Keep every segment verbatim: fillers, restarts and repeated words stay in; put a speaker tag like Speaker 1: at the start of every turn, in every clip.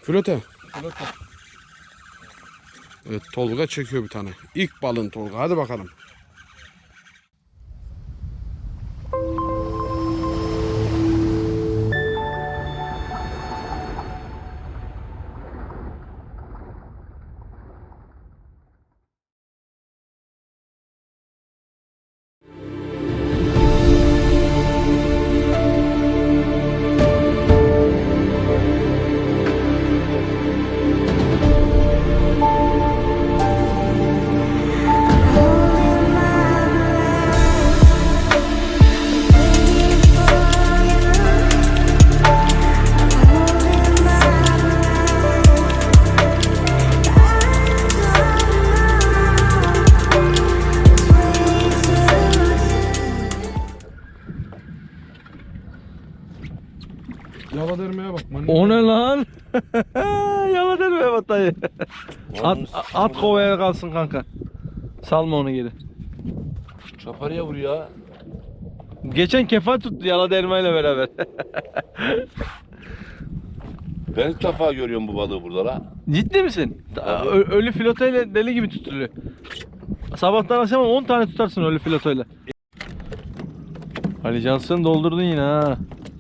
Speaker 1: Flote.
Speaker 2: Flote.
Speaker 1: Evet, Tolga çekiyor bir tane. İlk balın Tolga. Hadi bakalım. Yala dermeye bak.
Speaker 2: O ne lan? Yala dermeye bak dayı. At, at kovaya kalsın kanka. Salma onu geri.
Speaker 3: Çaparıya vuruyor.
Speaker 2: Geçen kefa tuttu yala dermeyle beraber.
Speaker 3: Ben ilk defa görüyorum bu balığı burada la.
Speaker 2: Ciddi misin? Ö- ölü filotoyla deli gibi tutuluyor. Sabahtan akşama on tane tutarsın ölü filotoyla. Ali Cansın doldurdun yine ha.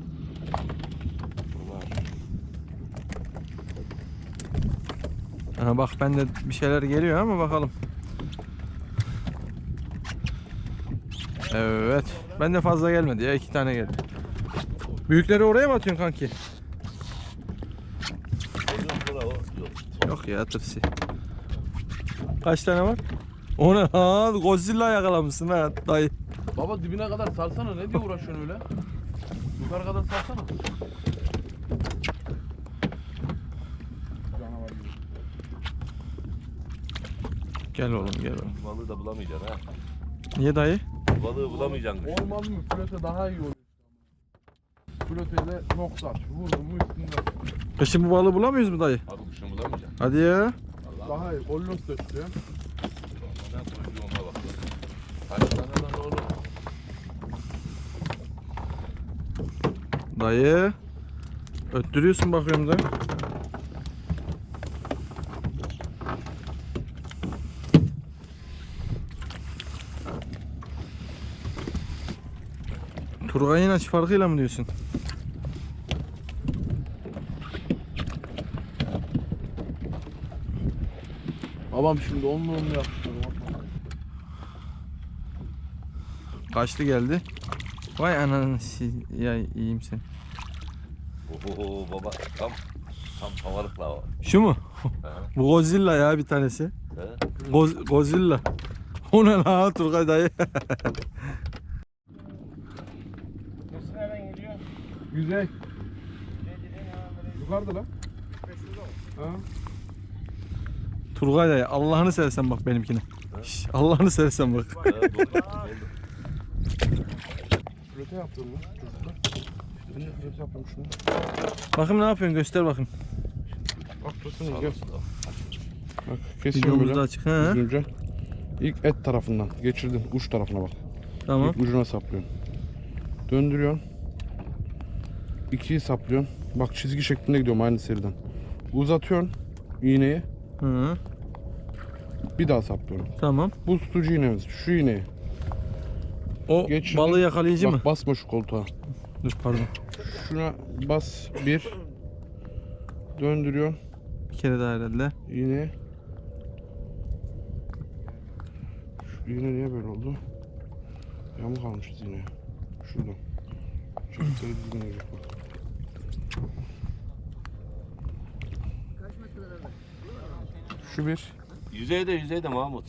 Speaker 2: Aha bak ben de bir şeyler geliyor ama bakalım. Evet. Ben de fazla gelmedi ya, iki tane geldi. Büyükleri oraya mı atıyorsun kanki? Yok ya, tırsi. Kaç tane var? O ne lan? Godzilla yakalamışsın ha dayı.
Speaker 1: Baba dibine kadar sarsana. Ne diye uğraşıyorsun öyle? Yukarı kadar sarsana.
Speaker 2: Gel oğlum gel oğlum.
Speaker 3: Bu balığı da bulamayacaksın ha.
Speaker 2: Niye dayı?
Speaker 3: Bu balığı bulamayacaksın.
Speaker 1: Olmaz mı? Flote daha iyi olur. Floteyle nokta at. Vurdun mu üstünden.
Speaker 2: Kışın bu balığı bulamıyoruz mu dayı?
Speaker 3: Abi kuşunu bulamayacaksın.
Speaker 2: Hadi ya.
Speaker 1: Daha iyi. Ollos da tutuyor.
Speaker 3: Ben kuyruğuma bak. Kaç tane lan oğlum?
Speaker 2: Dayı. Öttürüyorsun bakıyorum da. Turgay'ın aç farkıyla mı diyorsun?
Speaker 1: Babam şimdi onunla onu yaptı.
Speaker 2: Kaçlı geldi? Vay ananı si- ya iyiyim sen.
Speaker 3: Oho baba tam tam havalık la o.
Speaker 2: Şu mu?
Speaker 3: He.
Speaker 2: Bu Godzilla ya bir tanesi.
Speaker 3: He?
Speaker 2: Goz Godzilla. O ne la Turgay dayı?
Speaker 4: Nasıl nereden geliyor?
Speaker 1: Güzel. Yukarıda lan. Ha?
Speaker 2: Turgay dayı Allah'ını seversen bak benimkine. Şş, Allah'ını seversen bak.
Speaker 3: He, doldu, doldu.
Speaker 1: Flote yaptım lan. Ben de flote yaptım şunu.
Speaker 2: Bakın ne yapıyorsun, göster bakın.
Speaker 1: Bak tutsana gel. Bak kesiyorum
Speaker 2: Videomuz da
Speaker 1: böyle.
Speaker 2: açık. He.
Speaker 1: Düzgünce. İlk et tarafından geçirdim. Uç tarafına bak.
Speaker 2: Tamam.
Speaker 1: İlk ucuna saplıyorsun. Döndürüyorsun. İkiyi saplıyorsun. Bak çizgi şeklinde gidiyorum aynı seriden. Uzatıyorsun iğneyi.
Speaker 2: Hı.
Speaker 1: Bir daha saplıyorum.
Speaker 2: Tamam.
Speaker 1: Bu tutucu iğnemiz. Şu iğneyi.
Speaker 2: O
Speaker 1: Geçirdim.
Speaker 2: balığı yakalayıcı
Speaker 1: Bak,
Speaker 2: mı?
Speaker 1: basma şu koltuğa.
Speaker 2: Dur pardon.
Speaker 1: Şuna bas bir. Döndürüyorsun
Speaker 2: Bir kere daha herhalde.
Speaker 1: iğneyi. Şu iğne niye böyle oldu? Yamuk almışız iğneyi. Şuradan. Çocukları düzgün olacak bak. Şu bir.
Speaker 3: Yüzeyde yüzeyde Mahmut.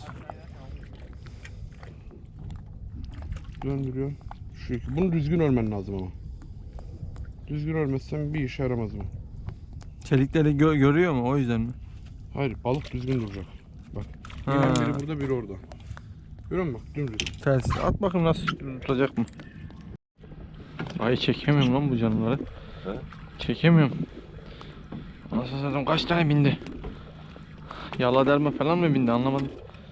Speaker 1: Döndürüyorsun. Şu iki. Bunu düzgün örmen lazım ama. Düzgün örmezsen bir işe yaramaz bu.
Speaker 2: Çelikleri gö- görüyor mu o yüzden mi?
Speaker 1: Hayır, balık düzgün duracak. Bak.
Speaker 2: Ha.
Speaker 1: İğnen biri burada, biri orada. Görüyor musun bak, dümdüz.
Speaker 2: Ters. At bakayım nasıl tutacak mı? Ay çekemiyorum lan bu canlıları.
Speaker 3: He?
Speaker 2: Çekemiyorum. Nasıl satayım, kaç tane bindi? Yala derme falan mı bindi anlamadım.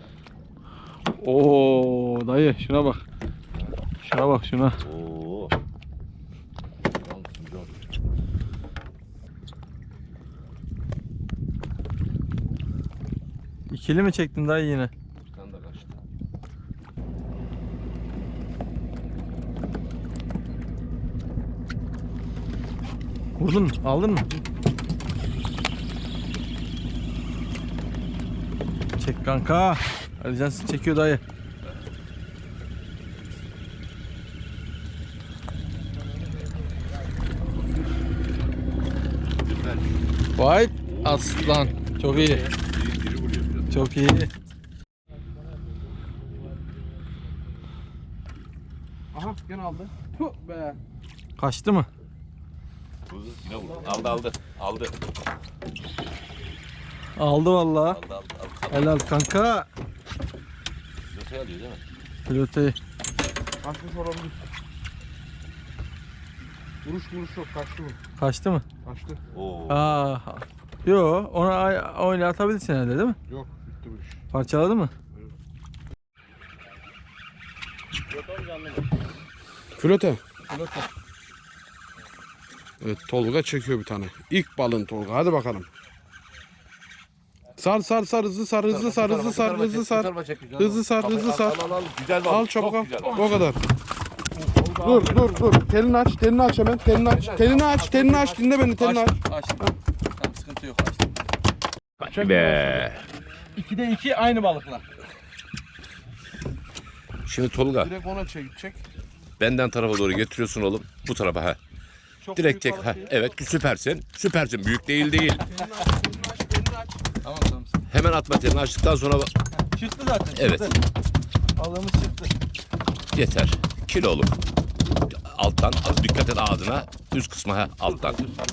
Speaker 2: Oo dayı şuna bak. Şuna bak şuna.
Speaker 3: Oo.
Speaker 2: İkili mi çektin dayı yine?
Speaker 3: Bir tane de kaçtı.
Speaker 2: Vurdun mu? Aldın mı? Çek kanka. Ali Cansın çekiyor dayı.
Speaker 3: Güzel.
Speaker 2: Vay aslan. Çok iyi.
Speaker 3: Biri, biri vuruyor biraz.
Speaker 2: Çok iyi.
Speaker 1: Aha gene aldı. Puh be.
Speaker 2: Kaçtı mı?
Speaker 3: Kuzu yine vurdu. Aldı aldı. Aldı.
Speaker 2: Aldı vallahi.
Speaker 3: Aldı aldı. aldı.
Speaker 2: Helal kanka.
Speaker 3: Yotayı alıyor değil mi?
Speaker 2: Pilotayı.
Speaker 1: Kaçmış olabilir. Vuruş vuruş yok. Kaçtı mı?
Speaker 2: Kaçtı mı?
Speaker 1: Kaçtı.
Speaker 3: Oo.
Speaker 2: Aa. Yo, ona ay- öyle atabilirsin herhalde değil mi?
Speaker 1: Yok bitti bu iş.
Speaker 2: Parçaladı mı?
Speaker 1: Flöte. Evet Tolga çekiyor bir tane. İlk balın Tolga. Hadi bakalım. Sar sar sar hızlı sar hızlı sar hızlı sar hızlı sar. Hızlı sar hızlı sar.
Speaker 3: Al al al. Güzel bal.
Speaker 1: Al çabuk al.
Speaker 3: Çok güzel.
Speaker 1: O kadar. Dur dur dur. Telini aç. Telini aç hemen. Telini aç. Telini aç. Telini aç. Dinle beni. Telini aç.
Speaker 2: Açtım. Tamam, sıkıntı yok, açtım.
Speaker 3: Hadi be.
Speaker 2: ikide iki aynı balıklar.
Speaker 3: Şimdi Tolga
Speaker 1: Direkt ona çek. Çek.
Speaker 3: benden tarafa doğru getiriyorsun oğlum. Bu tarafa ha.
Speaker 2: Çok
Speaker 3: Direkt
Speaker 2: büyük
Speaker 3: çek.
Speaker 2: balık
Speaker 3: Ha.
Speaker 2: değil.
Speaker 3: Evet süpersin. Süpersin. Büyük değil değil.
Speaker 1: Telini aç. Telini aç. Telini aç.
Speaker 2: Tamam tamam.
Speaker 3: Hemen atma telini açtıktan sonra
Speaker 2: Çıktı zaten.
Speaker 3: Evet.
Speaker 2: Çıktı. Balığımız çıktı.
Speaker 3: yeter. Kiloluk. Alttan az dikkat et ağzına. Üst kısmı ha alttan.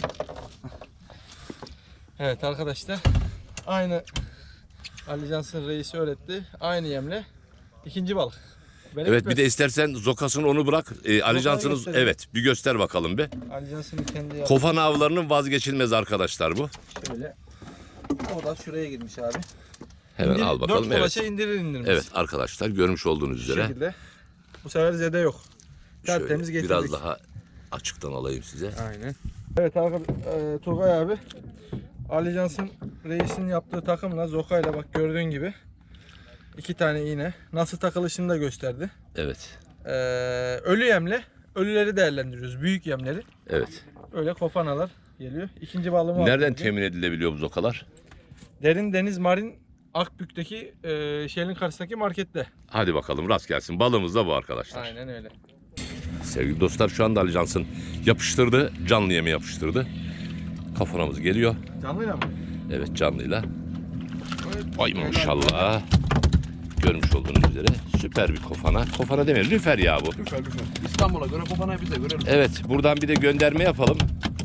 Speaker 2: Evet arkadaşlar. Aynı Ali Cansın reisi öğretti. Aynı yemle. İkinci balık. Benim
Speaker 3: Evet bir de istersen zokasını onu bırak. Ee, Ali Cansın'ın
Speaker 2: gösterelim.
Speaker 3: evet bir göster bakalım bir.
Speaker 2: Ali Cansın'ın kendi yaptığı
Speaker 3: Kofan avlarının vazgeçilmez arkadaşlar bu.
Speaker 2: şöyle. O da şuraya girmiş abi.
Speaker 3: Hemen
Speaker 2: İndir-
Speaker 3: al bakalım.
Speaker 2: Dört
Speaker 3: Evet.
Speaker 2: kolaça indirir indirmez.
Speaker 3: Evet arkadaşlar görmüş olduğunuz
Speaker 2: Bu
Speaker 3: üzere.
Speaker 2: şekilde. Bu sefer zede yok.
Speaker 3: Şöyle
Speaker 2: Tertemiz getirdik.
Speaker 3: biraz daha açıktan alayım size.
Speaker 2: Aynen. Evet arkadaşlar, e, Turgay abi Ali Cansın reisinin yaptığı takımla Zoka'yla bak gördüğün gibi iki tane iğne nasıl takılışını da gösterdi.
Speaker 3: Evet.
Speaker 2: E, ölü yemle ölüleri değerlendiriyoruz. Büyük yemleri.
Speaker 3: Evet.
Speaker 2: Öyle kofanalar geliyor. İkinci balığımı
Speaker 3: Nereden
Speaker 2: aldım.
Speaker 3: temin edilebiliyor bu zokalar?
Speaker 2: Derin Deniz Marin Akbük'teki e, şehrin karşısındaki markette.
Speaker 3: Hadi bakalım rast gelsin. Balığımız da bu arkadaşlar.
Speaker 2: Aynen öyle.
Speaker 3: Sevgili dostlar şu anda Ali Cansın yapıştırdı. Canlı yemi yapıştırdı. Kafanamız geliyor.
Speaker 2: Canlıyla mı?
Speaker 3: Evet canlıyla. Ay maşallah. Görmüş olduğunuz üzere süper bir kofana. Kofana demeyelim lüfer ya bu.
Speaker 1: Lüfer lüfer. İstanbul'a göre kopanayı biz de görelim.
Speaker 3: Evet buradan bir de gönderme yapalım.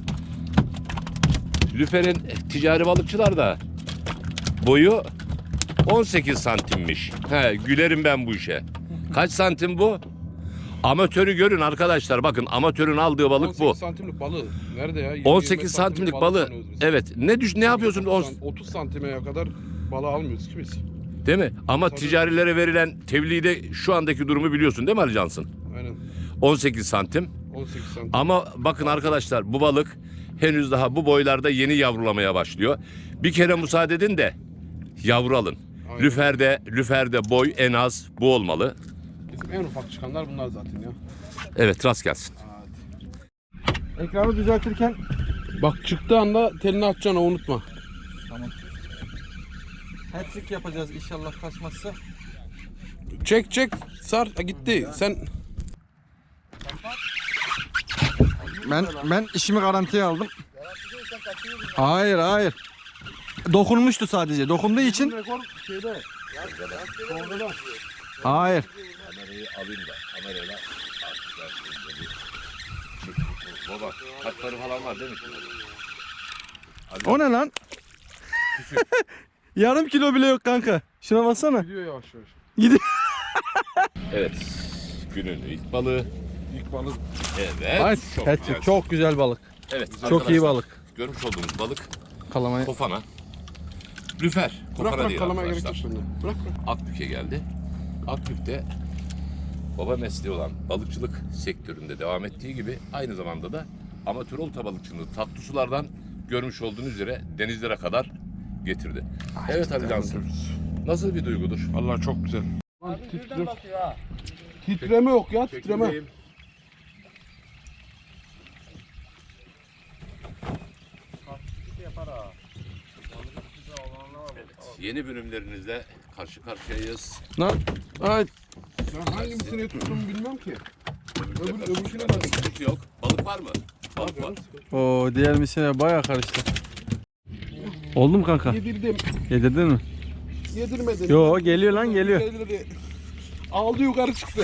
Speaker 3: Lüfer'in ticari balıkçılar da boyu on sekiz santimmiş. He, gülerim ben bu işe. Kaç santim bu? Amatörü görün arkadaşlar. Bakın amatörün aldığı balık
Speaker 1: on sekiz
Speaker 3: bu.
Speaker 1: santimlik balığı. Nerede ya?
Speaker 3: on sekiz santimlik balığı.
Speaker 1: sanıyoruz biz.
Speaker 3: Evet. Ne düş ne yapıyorsun?
Speaker 1: otuz,
Speaker 3: On-
Speaker 1: san- otuz santime kadar balığı almıyoruz ki biz.
Speaker 3: Değil mi? Ama
Speaker 1: Tabii.
Speaker 3: ticarilere verilen tevlide şu andaki durumu biliyorsun değil mi Ali Cansın?
Speaker 1: Aynen.
Speaker 3: on sekiz santim.
Speaker 1: on sekiz santim.
Speaker 3: Ama bakın arkadaşlar bu balık henüz daha bu boylarda yeni yavrulamaya başlıyor. Bir kere müsaade edin de yavru alın.
Speaker 1: Aynen.
Speaker 3: Lüferde, lüferde boy en az bu olmalı.
Speaker 1: Bizim en ufak çıkanlar bunlar zaten ya.
Speaker 3: Evet rast gelsin.
Speaker 1: Hadi.
Speaker 2: Ekranı düzeltirken
Speaker 1: Bak çıktığı anda telini açacaksın o unutma.
Speaker 2: hat-trick yapacağız inşallah kaçmazsa.
Speaker 1: Çek çek sar ha, gitti. Sen
Speaker 2: Ben ben işimi garantiye aldım. Hayır hayır. Dokunmuştu sadece. Dokunduğu için.
Speaker 1: rekor şeyde. Orada.
Speaker 2: Hayır.
Speaker 3: Kamerayı alayım da kamerayla baba hatları falan var değil mi?
Speaker 2: O ne lan? Yarım kilo bile yok kanka. Şuna baksana.
Speaker 1: Gidiyor yavaş yavaş.
Speaker 2: Gidiyor.
Speaker 3: Evet. Günün ilk balığı.
Speaker 1: İlk balık.
Speaker 3: Evet.
Speaker 2: Evet,
Speaker 3: Çok
Speaker 2: hat-trick.
Speaker 3: güzel.
Speaker 2: Çok güzel balık.
Speaker 3: Evet.
Speaker 2: Çok
Speaker 3: arkadaşlar,
Speaker 2: iyi balık.
Speaker 3: Görmüş olduğunuz balık
Speaker 2: Kalamayı.
Speaker 3: kofana. Lüfer.
Speaker 1: Bırak
Speaker 3: Kofana
Speaker 1: bırak
Speaker 3: değil
Speaker 1: kalamaya gerek yok
Speaker 3: arkadaşlar.
Speaker 1: bende. Bırak bırak.
Speaker 3: Akbük'e geldi. Akbük'te baba mesleği olan balıkçılık sektöründe devam ettiği gibi aynı zamanda da amatör olta balıkçılığı tatlı sulardan görmüş olduğunuz üzere denizlere kadar getirdi. Evet Ali Cansın. Nasıl bir duygudur?
Speaker 1: Vallahi çok güzel.
Speaker 4: Abi birden basıyor ha.
Speaker 1: Titreme yok ya, titreme.
Speaker 3: Çekimdeyim.
Speaker 4: Kalktıkça yapar ha.
Speaker 3: Yeni bölümlerinizle karşı karşıyayız.
Speaker 1: Lan, ay. Ben hangisini tuttuğumu bilmem ki. Öbür, öbürküne bak.
Speaker 3: Sıkıntı yok. Balık var mı? Balık var.
Speaker 2: Oo, diğer misine bayağı karıştı. Oldu mu kanka?
Speaker 1: Yedirdim,
Speaker 2: Yedirdin mi?
Speaker 1: yedirmedim.
Speaker 2: Yo, geliyor lan, geliyor.
Speaker 1: Yedirdi. Aldı yukarı çıktı.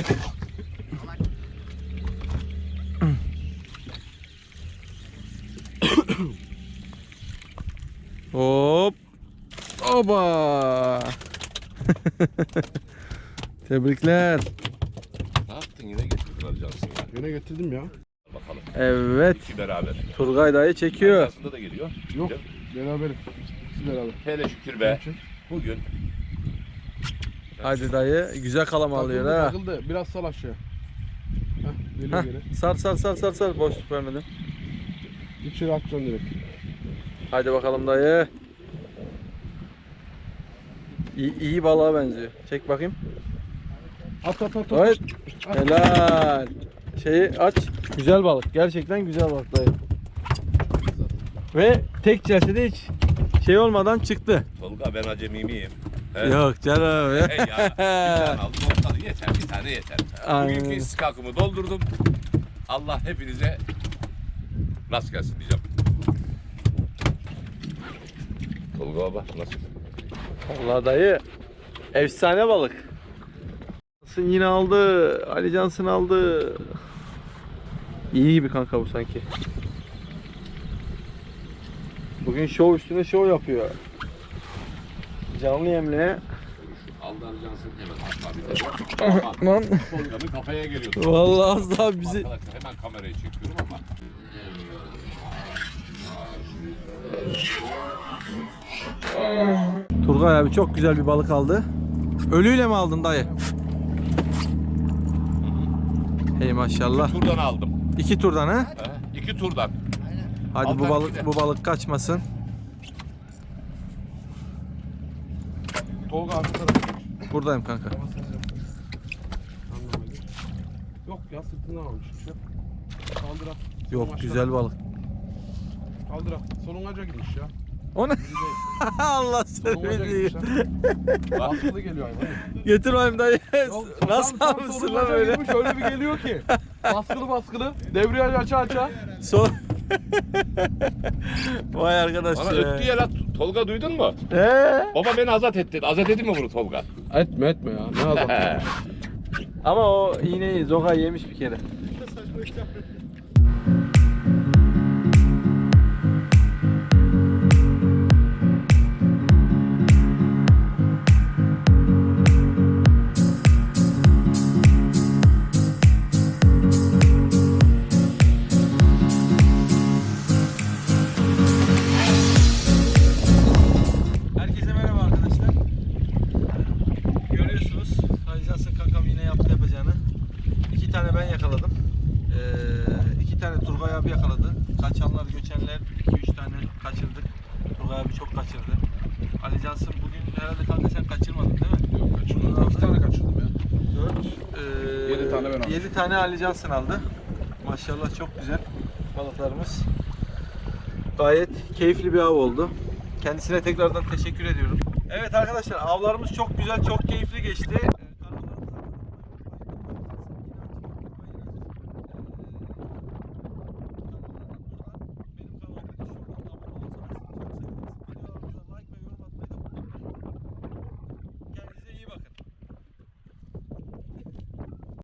Speaker 2: Hop. Oba. Tebrikler.
Speaker 3: Ne yaptın yine getirdin Ali Cansın ya.
Speaker 1: Yine getirdim ya.
Speaker 3: Bakalım.
Speaker 2: Evet.
Speaker 3: İki beraber.
Speaker 2: Turgay dayı çekiyor.
Speaker 3: Aslında da geliyor.
Speaker 1: Yok, beraberim. Siz beraber.
Speaker 3: Hele şükür be. Bugün
Speaker 2: Hadi dayı. Güzel kalama alıyor
Speaker 1: Takıldı,
Speaker 2: ha.
Speaker 1: takıldı. Biraz sal aşağı. Heh, geliyor
Speaker 2: Heh,
Speaker 1: geri.
Speaker 2: sar sar sar sar sar. Boşluk vermedim.
Speaker 1: İçeri atacaksın direkt.
Speaker 2: Hadi bakalım dayı. İyi, iyi balığa benziyor. Çek bakayım.
Speaker 1: At at at. at.
Speaker 2: Evet. Helal. Şeyi aç. Güzel balık. Gerçekten güzel balık dayı. Ve tek celsede hiç şey olmadan çıktı.
Speaker 3: Tolga ben acemi miyim? He?
Speaker 2: Yok canım.
Speaker 3: Hey ya. Bir tane aldım ortalığı yeter. Bir tane yeter.
Speaker 2: Aynen.
Speaker 3: Bugünkü istikakımı doldurdum. Allah hepinize rast gelsin diyeceğim. Tolga baba nasıl?
Speaker 2: Vallahi dayı efsane balık. Cansın yine aldı. Ali Cansın aldı. İyi gibi kanka bu sanki. Bugün şov üstüne şov yapıyor. Canlı yemle.
Speaker 3: Aldı Ali Cansın hemen atlar bir
Speaker 2: Lan.
Speaker 3: Tolga'nın kafaya geliyordu.
Speaker 2: Vallahi az daha bizi.
Speaker 3: Arkadaşlar hemen kamerayı çekiyorum ama.
Speaker 2: Turgay abi çok güzel bir balık aldı. Ölüyle mi aldın dayı? Hey maşallah.
Speaker 3: Turdan aldım.
Speaker 2: İki turdan ha?
Speaker 3: He? İki turdan.
Speaker 2: Hadi bu
Speaker 3: Altan
Speaker 2: balık
Speaker 3: gider.
Speaker 2: bu balık kaçmasın.
Speaker 1: Tolga arka tarafa geç.
Speaker 2: Buradayım kanka.
Speaker 1: Anlamadım. Yok ya sırtından almış. Şey. Kaldır at.
Speaker 2: Yok
Speaker 1: Solun
Speaker 2: güzel balık.
Speaker 1: aşağı- Kaldır at. Solungaca gitmiş ya.
Speaker 2: O ne? Allah seni
Speaker 1: Solungaca
Speaker 2: biliyor.
Speaker 1: gitmiş ha. Baskılı geliyor hayvan.
Speaker 2: Getir bakayım dayı.
Speaker 1: Yok,
Speaker 2: Nasıl
Speaker 1: tam- tam
Speaker 2: almışsın lan
Speaker 1: solungaca
Speaker 2: böyle?
Speaker 1: girmiş, öyle bir geliyor ki. Baskılı baskılı. Debriyaj aça aça.
Speaker 2: Son. Vay arkadaş
Speaker 3: Bana
Speaker 2: ya.
Speaker 3: öttü ya lan. Tolga duydun mu?
Speaker 2: Ee?
Speaker 3: Baba beni azat etti. Azat edin mi bunu Tolga?
Speaker 1: Etme etme ya. Ne azaltıyor.
Speaker 2: Ama o iğneyi Zoga yemiş bir kere. Herkese merhaba arkadaşlar. Görüyorsunuz Ali Cansın kankam yine yaptı yapacağını. İki tane ben yakaladım. Ee, iki tane Turgay abi yakaladı. Kaçanlar göçenler iki üç tane kaçırdık. Turgay abi çok kaçırdı. Ali Cansın bugün herhalde kanka sen kaçırmadın değil mi?
Speaker 1: Yok kaçırdım. İki tane kaçırdım ya.
Speaker 2: dört. Ee,
Speaker 1: Yedi tane ben aldım.
Speaker 2: yedi tane Ali Cansın aldı. Maşallah çok güzel balıklarımız. Gayet keyifli bir av oldu. Kendisine tekrardan teşekkür ediyorum. Evet arkadaşlar avlarımız çok güzel, çok keyifli geçti.